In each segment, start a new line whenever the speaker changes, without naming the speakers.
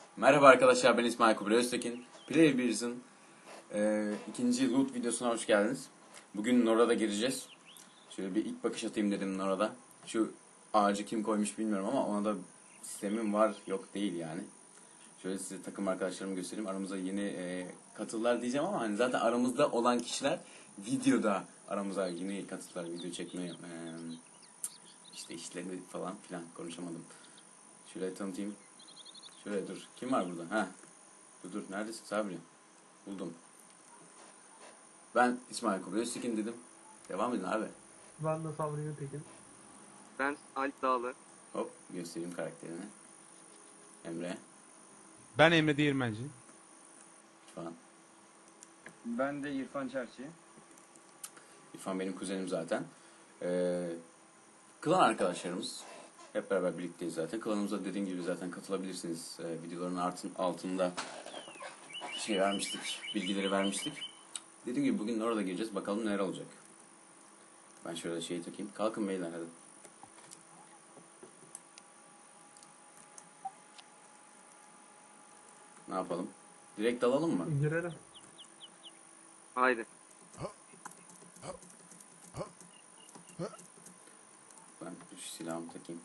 Merhaba arkadaşlar, ben İsmail Kubilay Öztekin. Play Beers'ın ikinci loot videosuna hoş geldiniz. Bugün Nora'da gireceğiz. Şöyle bir ilk bakış atayım dedim Nora'da. Şu ağacı kim koymuş bilmiyorum ama ona da sistemim var yok değil yani. Şöyle size takım arkadaşlarımı göstereyim. Aramıza yeni katıldılar diyeceğim ama hani zaten aramızda olan kişiler videoda aramıza yeni katıldılar. Video çekmeye işte işlerini falan filan konuşamadım. Şöyle tanıtayım. Şöyle dur. Kim var burada? Ha. Dur. Neredesin Sabri? Buldum. Ben İsmail Kubilay Öztekin dedim. Devam edin abi.
Ben de Sabri Tekin.
Ben Alp Dağlı.
Hop göstereyim karakterini. Emre
Ben Emre Değirmenci.
falan.
Ben de İrfan Çerçi.
İrfan benim kuzenim zaten. Klan arkadaşlarımız. Hep beraber birlikteyiz zaten. Klanımıza dediğim gibi zaten katılabilirsiniz. Videoların altında şey vermiştik. Bilgileri vermiştik. Dediğim gibi bugün orada gireceğiz. Bakalım neler olacak. Ben şöyle şeyi takayım. Kalkın beyler hadi. Ne yapalım? Direkt dalalım mı?
Girelim.
Haydi.
Ben şu silahımı takayım.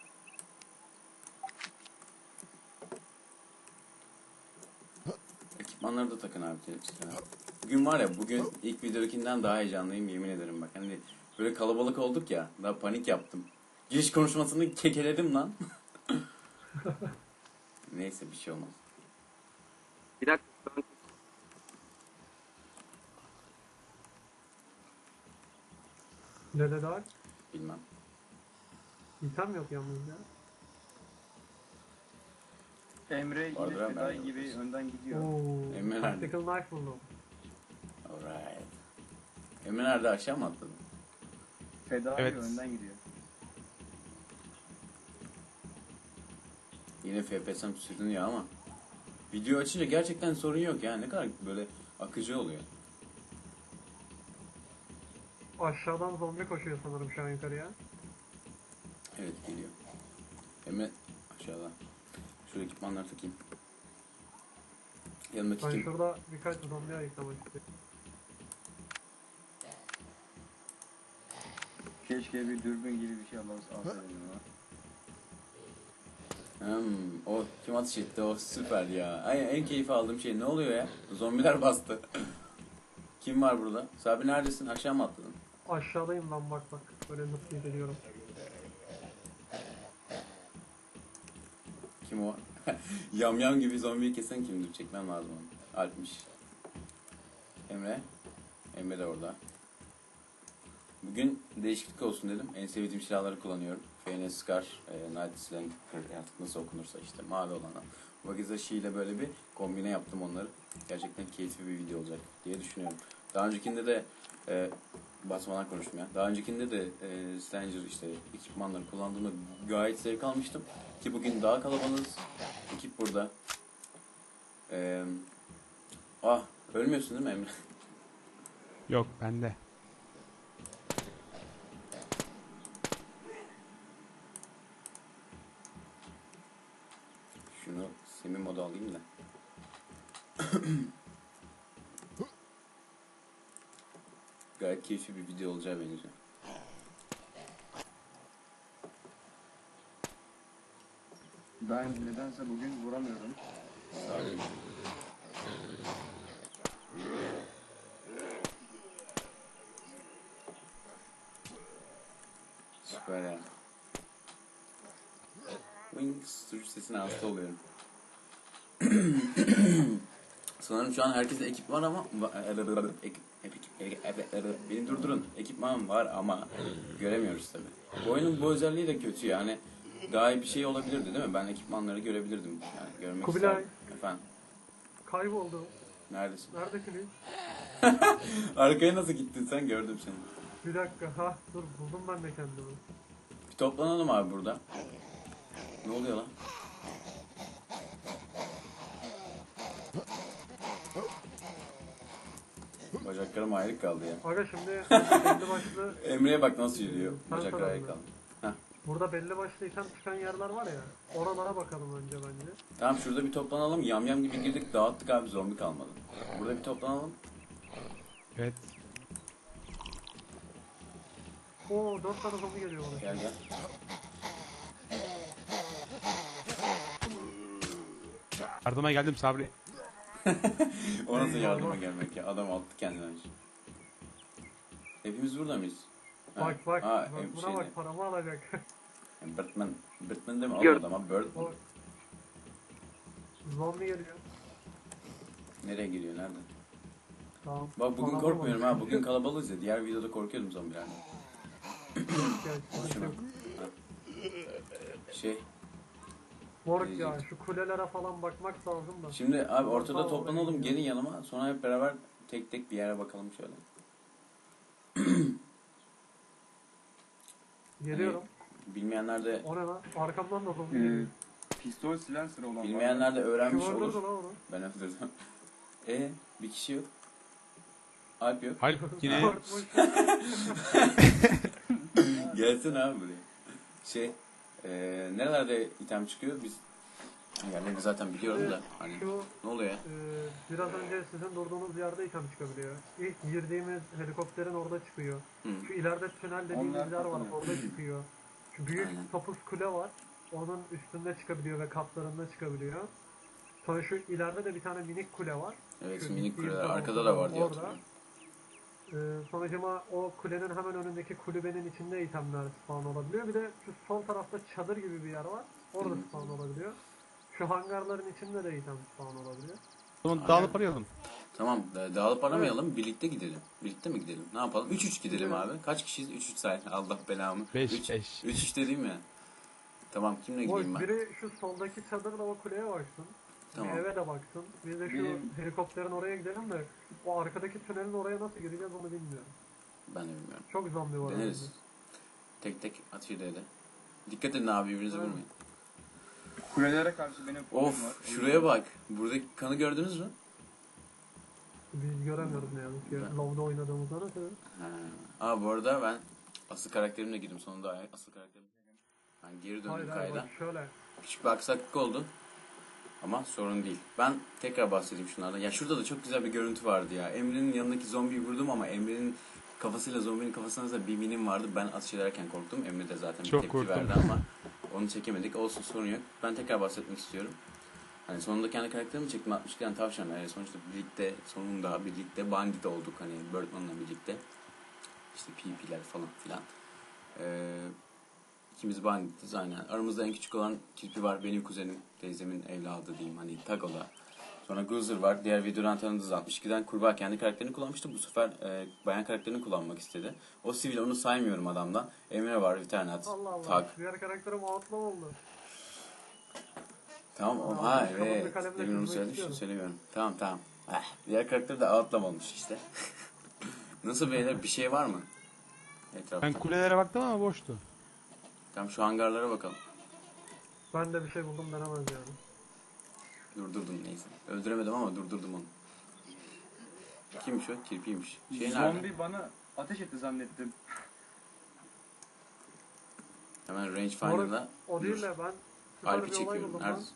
Ekipmanları da takın abi. Bugün var ya, bugün ilk videodakinden daha heyecanlıyım yemin ederim bak. Hani böyle kalabalık olduk ya, daha panik yaptım. Giriş konuşmasını kekeledim lan. Neyse bir şey olmaz.
Bir dakika. Ben...
Dede daha
Bilmem.
İtem yok yalnız ya.
Emre yine
Vardır abi,
Fedai
ben
gibi
de
önden gidiyor.
Oo,
Emre nerede?
tactical knife buldum.
Alright. Emre nerede, aşağı mı atladın?
Fedai
Evet.
önden gidiyor.
Yine FPS'm sürünüyor ama. Video açınca gerçekten sorun yok ya. Ne kadar böyle akıcı oluyor.
Aşağıdan zombi koşuyor sanırım şu an yukarıya.
Evet geliyor. Emre aşağıda. Şu ekipmanları takayım. Yanındaki
Ben
kim?
şurada birkaç zombi ayıklamak istiyorum.
Keşke bir dürbün gibi bir şey alsaydım ama.
O kim ateş etti, o süper ya. Ay, en keyif aldığım şey ne oluyor ya? Zombiler bastı. Kim var burada? Sabri neredesin? Aşağı mı atladın?
Aşağıdayım lan bak. Böyle nasıl geliyorum.
Kim o? Yamyam gibi zombiyi kesen kimdir? Çekmem lazım onu. Alpmiş. Emre. Emre de orada. Bugün değişiklik olsun dedim. En sevdiğim silahları kullanıyorum. FNS Scar, Night Slang, artık nasıl okunursa işte mavi olana. Wakizashi ile böyle bir kombine yaptım onları. Gerçekten keyifli bir video olacak diye düşünüyorum. Daha öncekinde de basmadan konuştum ya. Daha öncekinde de Stranger işte ekipmanları kullandığımda gayet zevk almıştım. Ki bugün daha kalabalığız. Ekip burada. Ölmüyorsun değil mi Emre?
Yok bende.
Şunu semi moda alayım da. Gayet keyifli bir video olacağı benziyor.
Ben nedense bugün vuramıyorum.
Süper ya. Wings sürüş sesine hasta oluyorum. Sanırım şu an herkeste ekip var ama beni durdurun. Ekipman var ama göremiyoruz tabi. Bu oyunun bu özelliği de kötü yani. Daha iyi bir şey olabilirdi değil mi? Ben ekipmanları görebilirdim. Yani görmek
Kubilay.
isterdim. Efendim.
Kayboldu.
Neredesin?
Neredesiniz?
Arkaya nasıl gittin sen? Gördüm seni.
Bir dakika. Dur buldum ben de kendimi.
Bir toplanalım abi burada. Ne oluyor lan? Bacaklarım ayrık kaldı ya.
Aga şimdi belli başlı
Emre'ye bak nasıl yürüyor.
Sen
Bacakları
tarafında.
ayrık kaldı. Heh,
burada belli başlı item çıkan yerler var ya. Oralara bakalım önce bence.
Tamam şurada bir toplanalım. Yamyam gibi girdik dağıttık abi, zombi kalmadı. Burada bir toplanalım.
Evet.
Oo 4 tane zombi geliyor bana.
Gel gel.
Yardıma geldim Sabri.
O nasıl yardıma gelmek ya? Adam attı kendini önce. Hepimiz burada mıyız? Ha,
Bak bak.
ha,
Bak buna
şeyde.
bak, paramı alacak.
Birdman. Birdman değil mi?
Gör-
Almadı ama Birdman.
O- Zombi geliyor.
Nereye geliyor? Nerede?
Tamam.
Bak bugün
Paramı
korkmuyorum
alacak.
ha. Bugün kalabalığız ya. Diğer videoda korkuyordum zombilerden.
Gel,
Şuna.
yok.
Şey.
Moruk ya şu kulelere falan bakmak lazım da.
Şimdi abi ortada
Tamam,
toplanalım.
oraya
Gelin yanıma. Sonra hep beraber tek tek bir yere bakalım şöyle.
Geliyorum.
Bilmeyenler de
O ne lan? Arkamdan da zombi geliyor.
Pistol silencer olan var.
bilmeyenler de öğrenmiş
Kim öldürdü
olur.
lan onu?
Ben öldürdüm. Bir kişi yok. Alp yok.
Hayır yine
Korkmuş.
Gelsin abi buraya. Şey, nerelerde item çıkıyor? Biz yerlerini zaten biliyorum da. Hani
Şu
ne oluyor ya?
biraz önce sizin durduğunuz yerde item çıkabiliyor. İlk girdiğimiz helikopterin orada çıkıyor.
Hı.
Şu ileride tünel dediğimiz
Onlar
yer var,
takılıyor.
orada çıkıyor. Şu büyük
Aynen.
topuz kule var. Onun üstünde çıkabiliyor ve katlarında çıkabiliyor. Sonra şu ileride de bir tane minik kule var.
Evet,
Şu
minik
gittiğim
kuleler
zaman
arkada da var diye
orada.
hatırlıyorum.
Sonucuma o kulenin hemen önündeki kulübenin içinde itemler spawn olabiliyor. Bir de şu sol tarafta çadır gibi bir yer var. Orada
Hı.
spawn olabiliyor. Şu hangarların içinde de item spawn olabiliyor.
Tamam dağılıp arayalım.
Tamam, dağılıp aramayalım. Birlikte gidelim. Birlikte mi gidelim? Ne yapalım? 3-3 gidelim
Evet.
abi. Kaç kişiyiz? 3-3 say. Allah belamı.
5
3
5.
3 dediğim ya. Tamam, kimle
Boş,
gideyim ben?
biri şu soldaki çadırla o kuleye baksın.
Tamam.
Bir eve de baksın. Bir de şu
Benim-
helikopterin oraya gidelim de o arkadaki tünelin oraya nasıl gireceğiz onu bilmiyorum.
Ben de bilmiyorum.
Çok zombi var.
Deneriz.
orada.
Tek tek atıyla de. Dikkat edin abi, birbirinizi
Evet.
vurmayın.
Kulelere karşı benim fobim var.
Of, şuraya bak. Buradaki kanı gördünüz mü?
Biz göremiyoruz ne yazık ki.
Ben-
Low'da oynadığımızda nasıl?
Bu arada ben asıl karakterimle girdim. Sonunda asıl karakterim. Ben geri döndüm
Hayır
kayda.
bak şöyle.
Küçük bir aksaklık oldu. Ama sorun değil. Ben tekrar bahsedeyim şunlardan. Ya şurada da çok güzel bir görüntü vardı ya. Emre'nin yanındaki zombiyi vurdum ama Emre'nin kafasıyla zombinin kafasına da bir minim vardı. Ben atış ederken korktum. Emre de zaten bir
Çok
tepki
korktum.
verdi ama onu çekemedik. Olsun, sorun yok. Ben tekrar bahsetmek istiyorum. Hani sonunda kendi karakterimi çektim, 62 tane tavşan. Yani sonuçta birlikte, sonunda birlikte bandit olduk. Hani Birdman'la birlikte. İşte PvP'ler falan filan. İkimiz banditiz aynen. Aramızda en küçük olan Kirpi var. Benim kuzenim. Teyzemin evladı diyeyim. Hani Tago'da. Sonra Guzer var. Diğer videodan tanıdığınız 62'den kurbağa kendi karakterini kullanmıştı. Bu sefer bayan karakterini kullanmak istedi. O sivil, onu saymıyorum adamdan. Emre var. Viternat.
Allah Allah.
Tak.
Diğer karakterim outlaw oldu.
Tamam.
Aa,
Ha
kafamda
evet.
kalemle
Demin onu
çizmek
söyledim. Şimdi
istiyorum.
söylemiyorum. Tamam. Diğer karakter de outlam olmuş işte. Nasıl beyler? Bir şey var mı? Etrafta.
Ben kulelere baktım ama boştu.
Tamam, şu hangarlara bakalım.
Ben de bir şey buldum denemez yani.
Durdurdum neyse. Öldüremedim ama durdurdum onu. Kimmiş o? Kirpiymiş. Şey nerede?
Zombi bana ateş etti zannettim.
Hemen rangefinder'da.
O değil de ben süper
Alp'i
bir olay
çekiyorum.
buldum lan.
Neredesin?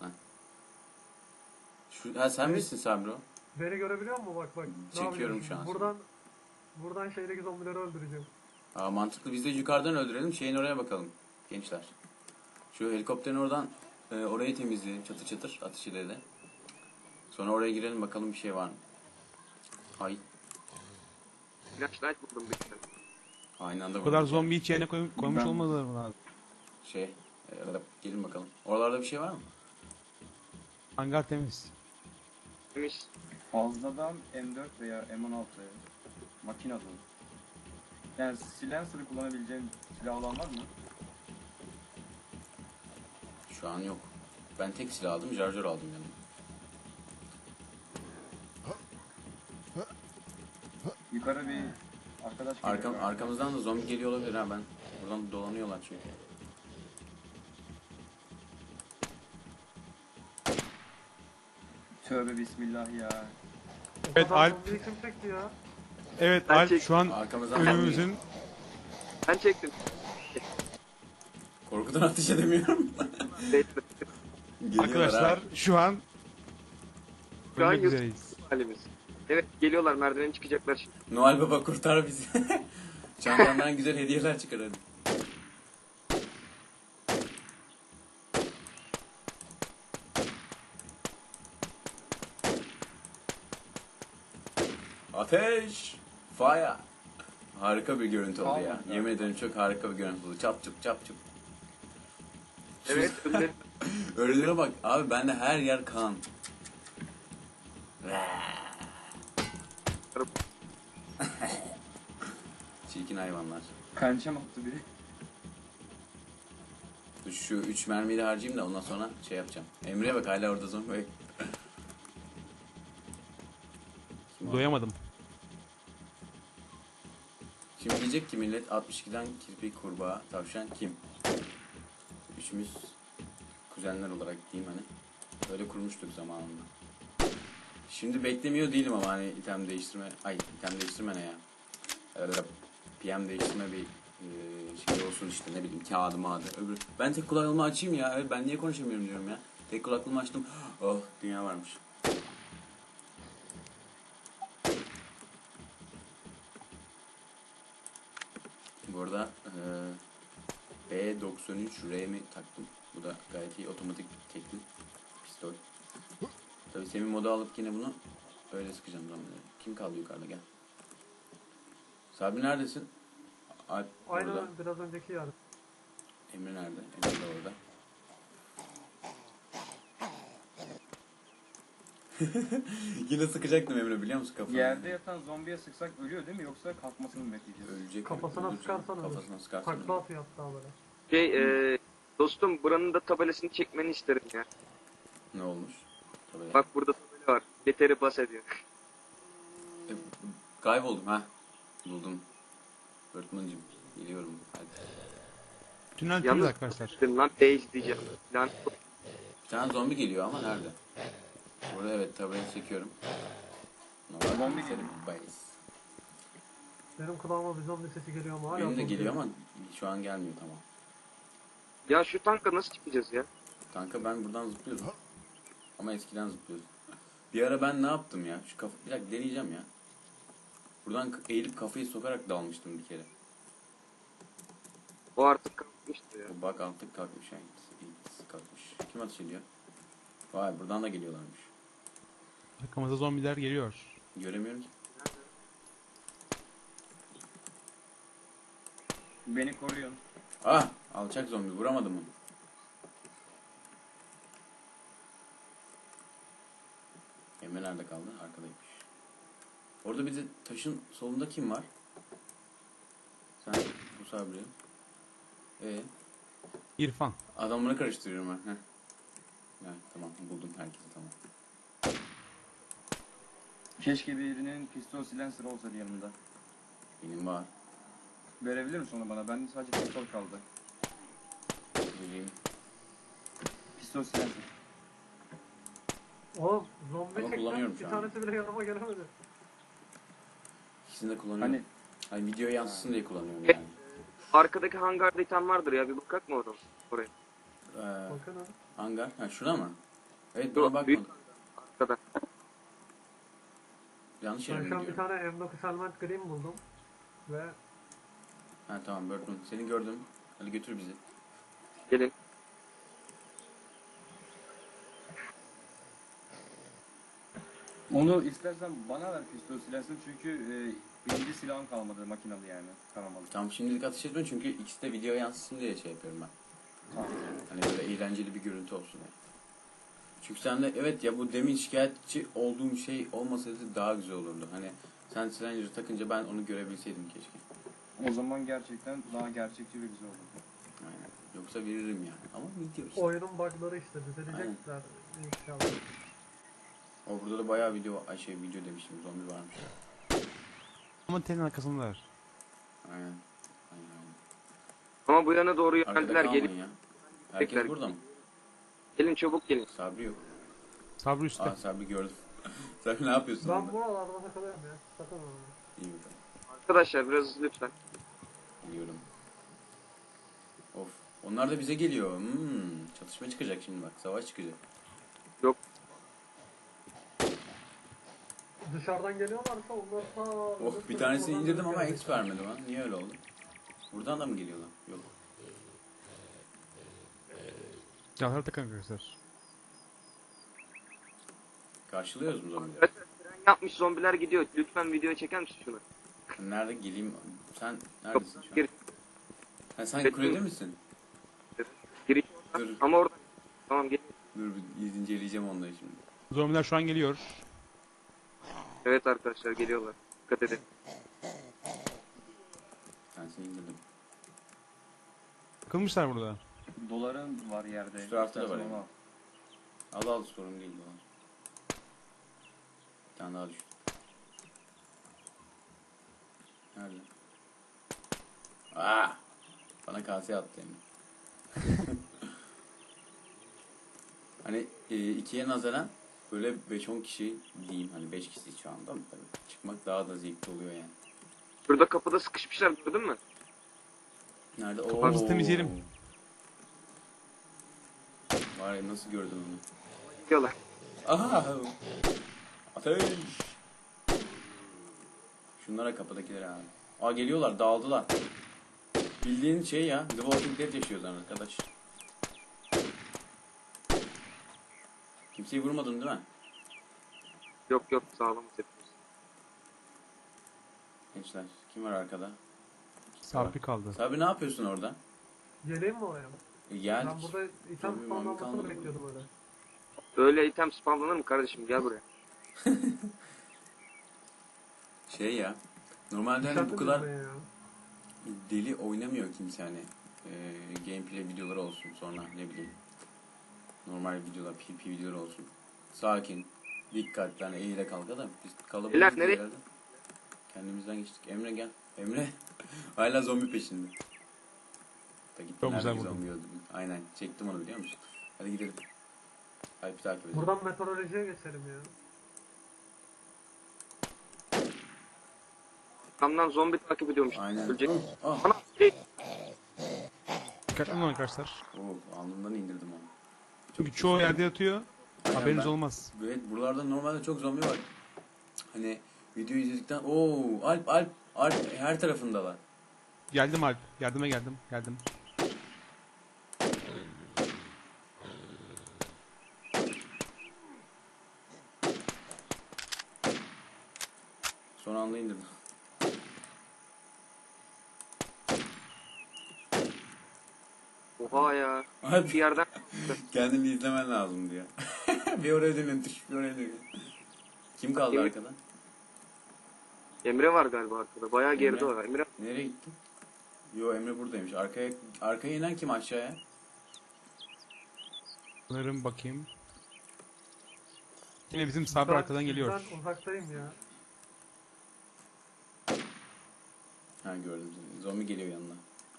Sen
Evet.
misin Sabro?
Beni görebiliyor musun? Bak. Ne
Çekiyorum
yapıyorsun?
şu an.
Buradan şeydeki zombileri öldüreceğim.
Mantıklı. Biz de yukarıdan öldürelim. Şeyin oraya bakalım. Gençler. Şu helikopterin oradan orayı temizleyelim. Çatır çatır atış ileri. Sonra oraya girelim bakalım bir şey var mı? Ay.
Flashlight buldum bir tane.
Aynı anda
Bu kadar
vurduk ya.
zombi hiç yerine koymuş
Ben-
olmadılar mı lazım?
Gelin bakalım. Oralarda bir şey var mı?
Hangar temiz.
Demiş.
Fazladan M4 veya M16 makine dolu. Yani silencer'ı kullanabileceğim silah olan var mı?
Şu an yok. Ben tek silah aldım. Charger aldım yanıma.
Yukarı bir arkadaş geliyor.
Arkamızdan da zombi geliyor olabilir ha, ben. Buradan dolanıyorlar çünkü.
Tövbe bismillah ya.
O
Evet,
kadar
Alp.
zombiyi kim çekti ya?
Evet
Ben
Alp
çek-
şu an
Arkamızdan
önümüzün
Ben çektim.
korkudan ateş edemiyorum. Geliyorlar
Arkadaşlar
ha.
şu an
Şu an
ölmek
YouTube
üzereyiz.
halimiz. Evet geliyorlar merdiveni çıkacaklar şimdi.
Noel Baba kurtar bizi. Çantandan güzel hediyeler çıkar hadi. Ateş! Fire! Harika bir görüntü oldu ya.
Tamam.
Yemin ederim çok harika bir görüntü oldu. Çap çup çap çup.
Evet ölüleri
Ölülere bak. Abi bende her yer kan. Çirkin hayvanlar.
Pençem attı biri.
Dur şu 3 mermiyi de harcayayım da ondan sonra şey yapacağım. Emre'ye bak hala orada zombi. Kim o?
Doyamadım.
Şimdi diyecek ki millet 62'den kirpi, kurbağa, tavşan kim? Üçümüz kuzenler olarak diyeyim hani. Böyle kurmuştuk zamanında. Şimdi beklemiyor değilim ama hani item değiştirme, item değiştirme ne ya? Öyle PM değiştirme bir şey olsun işte ne bileyim kağıdı mağdı. Öbür. Ben tek kulaklığımı açayım ya. Evet, ben niye konuşamıyorum diyorum ya. Tek kulaklığımı açtım. Oh dünya varmış. Bu arada B93R'mi taktım. Bu da gayet iyi. Otomatik tekli pistol. Tabii Semih moda alıp yine bunu öyle sıkacağım zombileri. Kim kaldı yukarıda gel. Sabri neredesin? Alp orada.
Aynen biraz önceki yer.
Emre nerede? Emre de orada. Yine sıkacaktım Emre biliyor musun kafana?
Yerde yatan zombiye sıksak ölüyor değil mi yoksa kalkmasını mı bekleyeceğiz?
Ölecek.
Kafasına
öldürecek.
sıkarsan ölür.
Kafasına sıkarsan
Takla
ölür.
atıyor hatta böyle.
dostum buranın da tabelasını çekmeni isterim ya.
Ne olmuş? Tabii.
Bak burada tabela var. Beteri bas ediyor.
E, kayboldum ha. Buldum. Öğretmencim geliyorum. Hadi.
Tünel temiz
Yalnız
arkadaşlar.
lan base diyeceğim. Lan
Bir tane zombi geliyor ama nerede? Burada evet tabelayı çekiyorum. Normal
Zombi
senin
geliyor.
bayız.
Benim kulağıma bir zombi sesi geliyor ama hala
Benim de
korkuyorum.
geliyor ama şu an gelmiyor tamam.
ya şu tanka nasıl çıkacağız ya?
Kanka ben buradan zıplıyordum. Ama eskiden zıplıyordum. Bir ara ben ne yaptım ya? Şu kafa bir dakika deneyeceğim ya. Buradan eğilip kafayı sokarak dalmıştım bir kere.
O artık kalkmıştı ya.
O bak artık kalkmış yani. Kalkmış. Kim ateş ediyor? Vay buradan da geliyorlarmış.
Arkamıza zombiler geliyor.
Göremiyorum ki.
Beni koruyun.
Ah! Alçak zombi vuramadım onu. Emre nerede kaldı? Arkadaymış. Orada bir de taşın solunda kim var? Sen bu Sabri.
İrfan.
Adamları karıştırıyorum ben. Heh. Evet, tamam buldum herkesi tamam.
Keşke birinin pistol silencer olsaydı yanımda.
Benim var.
Verebilir misin onu bana? Bende sadece pistol kaldı.
Vereyim.
Pistol silencer.
Oğlum zombi
Ama
çekten
kullanıyorum
bir
şu an.
tanesi bile yanıma gelemedi.
İkisini de kullanıyorum. Hani video yansısın diye kullanıyorum yani.
Arkadaki hangarda item vardır ya bir bakak mı oradan? Oraya.
Bakın ha.
Hangar. Ha şuna mı? Evet
Yok,
buna
büyük-
bakmadım.
Arkada.
Yanlış yere
Ben
mi
şu an bir
gidiyorum?
tane M9 Helmet Green buldum. Ve
Ha tamam Birdman. Seni gördüm. Hadi götür bizi.
Gelin.
Onu istersen bana ver pistol silencer çünkü birinci silahım kalmadı makinalı yani. Taramalı.
Tamam şimdilik ateş etme çünkü ikisi de video yansısın diye şey yapıyorum ben.
Tamam.
Hani böyle eğlenceli bir görüntü olsun yani. Çünkü sen de evet ya bu demin şikayetçi olduğum şey olmasaydı daha güzel olurdu. Hani sen Stranger'ı takınca ben onu görebilseydim keşke.
O zaman gerçekten daha gerçekçi ve güzel olurdu.
Aynen. Yoksa veririm yani. Ama video işte.
oyunun bug'ları işte düzelecekler inşallah.
O burada da bayağı video, video demiştim zombi varmış.
Ama tenin arkasındalar.
Aynen. Aynen.
Ama bu yana doğru
Arkada
yöneldiler.
kalmayın
Gelin,
ya. Herkes
Tekrar.
burada mı?
gelin çabuk gelin.
Sabri yok.
Sabri üstte.
Aa Sabri gördüm. Sabri ne yapıyorsun
Ben
orada?
buralarda takılıyorum ya. Sakın olma.
İyi bakalım.
Arkadaşlar biraz hızlı lütfen.
Biliyorum. Of Onlar da bize geliyor. Çatışma çıkacak şimdi bak. Savaş çıkacak.
Yok.
Dışarıdan geliyorlarsa onlar
Oh bir tanesini indirdim ama X vermedi bana. Niye öyle oldu? Buradan da mı geliyorlar? Yok.
Silahları takın arkadaşlar.
Karşılıyoruz mu zombileri?
Arkadaşlar tren yapmış zombiler gidiyor. Lütfen videoya çeker misin şunu?
Nerede geleyim? Sen neredesin şu an?
Gir.
Ha, sen kulede misin?
Giriş
Dur.
oradan. Ama oradan. Tamam gel.
Dur bir inceleyeceğim onları şimdi.
Zombiler şu an geliyor.
Evet arkadaşlar geliyorlar. Dikkat edin.
Ben seni indirdim.
Takılmışlar burada.
Doların var yerde.
Şu tarafta da
İstersen
var
onu
Al
al.
al sorun değil dolar. Bir tane daha düştü. Nerede? Bana kaseye attı yani. Hani ikiye nazaran böyle 5-10 kişi diyeyim hani 5 kişi şu anda mı tabii. Çıkmak daha da zevkli oluyor yani.
Şurada kapıda sıkışmışlar gördün mü?
Nerede?
Kapağımızı temizleyelim.
Var ya nasıl gördün onu?
Gidiyorlar.
Aha! Ateş! Şunlara kapıdakiler abi. Aa geliyorlar dağıldılar. Bildiğin şey ya. The Walking Dead yaşıyoruz arkadaş. Kimseyi vurmadın değil mi?
Yok yok sağlamız hepimiz.
Gençler. Kim var arkada?
Sabri kaldı.
Sabri ne yapıyorsun orada?
Geleyim mi oraya?
Geldik.
Ben burada item
Zombi
spawnlanmasını
kalmadı.
bekliyordum öyle.
Öyle item spamlanır mı kardeşim? Gel buraya.
Şey ya. Normalde hani bu
Dışarıda
kadar
durmaya ya.
deli oynamıyor kimse hani. Gameplay videoları olsun sonra ne bileyim. Normal videolar, PvP videoları olsun. Sakin, dikkatli hani eğile kalka da biz
Beyler,
kalabalığız
nereye?
herhalde. Kendimizden geçtik. Emre gel. Emre. Hala zombi peşinde. Da gitti.
Çok güzel
nerede
vurdun.
zombi öldürdün. Aynen. Çektim onu biliyor musun? Hadi gidelim. Alp'i takip edelim.
Buradan meteorolojiye geçelim ya.
Kamdan zombi takip ediyormuş.
Aynen.
Ölecek.
Ah.
Ana şey.
Dikkatli olun arkadaşlar.
Alnından indirdim onu.
Çünkü çoğu yerde yatıyor.
Aynen,
Haberiniz
ben-
olmaz.
Evet buralarda normalde çok zombi var. Hani video izledikten Alp her tarafındalar.
Geldim Alp. Yardıma geldim. Geldim.
Son anda indirdim.
Oha ya.
Alp
Bir yerden
kendini izlemen lazım diyor. Bir oraya dönün, bir oraya dönün. Kim kaldı
Kim?
arkada?
Emre var galiba arkada. Bayağı geride
Emre.
var. Emre
Nereye gitti? Yo Emre buradaymış. Arkaya inen kim aşağıya?
Sanırım bakayım. Yine bizim Sabri
Ben
arkadan geliyor.
sizden uzaktayım ya.
Ha gördüm seni. Zombi geliyor yanına.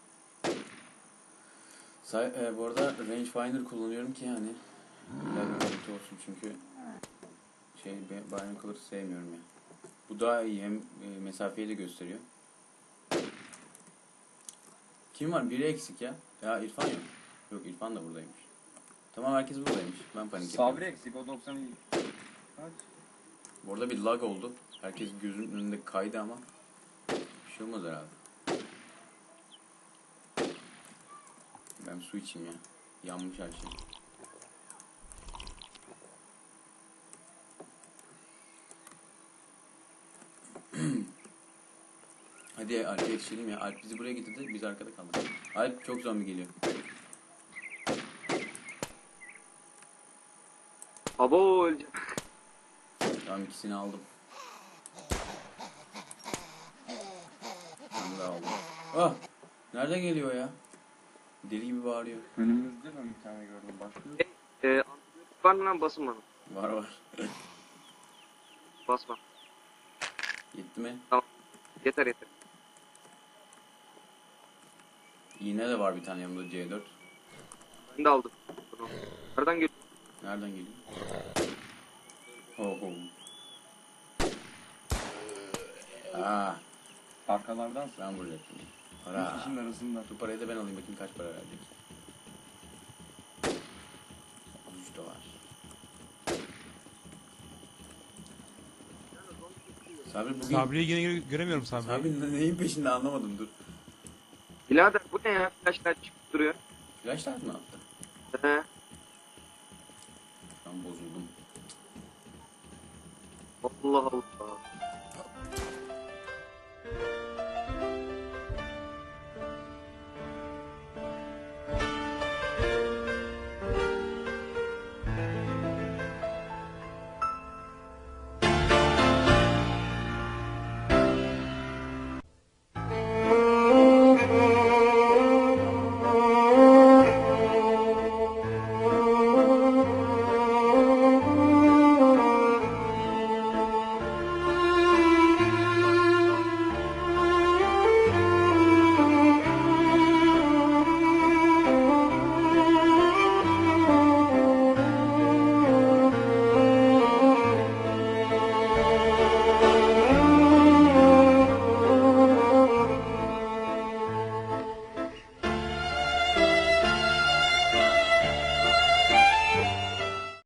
Bu arada rangefinder kullanıyorum ki hani güzel bir görüntü olsun çünkü binocular sevmiyorum ya. Bu daha iyi hem mesafeyi de gösteriyor. Kim var? Biri eksik ya. Ya İrfan yok. Yok İrfan da buradaymış. Tamam herkes buradaymış. Ben panik
Sabri
yapıyorum.
eksik o 90. Kaç?
Bu arada bir lag oldu. Herkes gözünün önünde kaydı ama bir şey olmaz herhalde. Ben su içeyim ya. Yanmış her şey. Hadi Alp'e yetişelim ya. Alp bizi buraya getirdi. Biz arkada kaldık. Alp çok zombi geliyor.
abo ölecek.
Tamam ikisini aldım. Ben daha aldım. Ah! Nereden geliyor ya? Deli gibi bağırıyor.
Önümüzde ben bir tane gördüm. Başka yok.
Antibiyotik var mı lan basın bana.
Var var.
Basma.
Gitti mi?
Yeter yeter.
İğne de var bir tane yanımda C4.
Ben de aldım. Bunu. Nereden geliyor?
Nereden geliyor? Oh oh. Aa,
Arkalardan
ben vuracaktım.
bir
Para.
kişinin arasında.
Bu parayı da ben alayım bakayım kaç para verecek. Sabri bugün...
Sabri'yi yine göremiyorum Sabri'yi.
Sabri neyin peşinde anlamadım dur.
Birader bu ne ya? Flashlar çıkıp duruyor.
Flashlar mı attı?
He.
Ben bozuldum.
Allah Allah.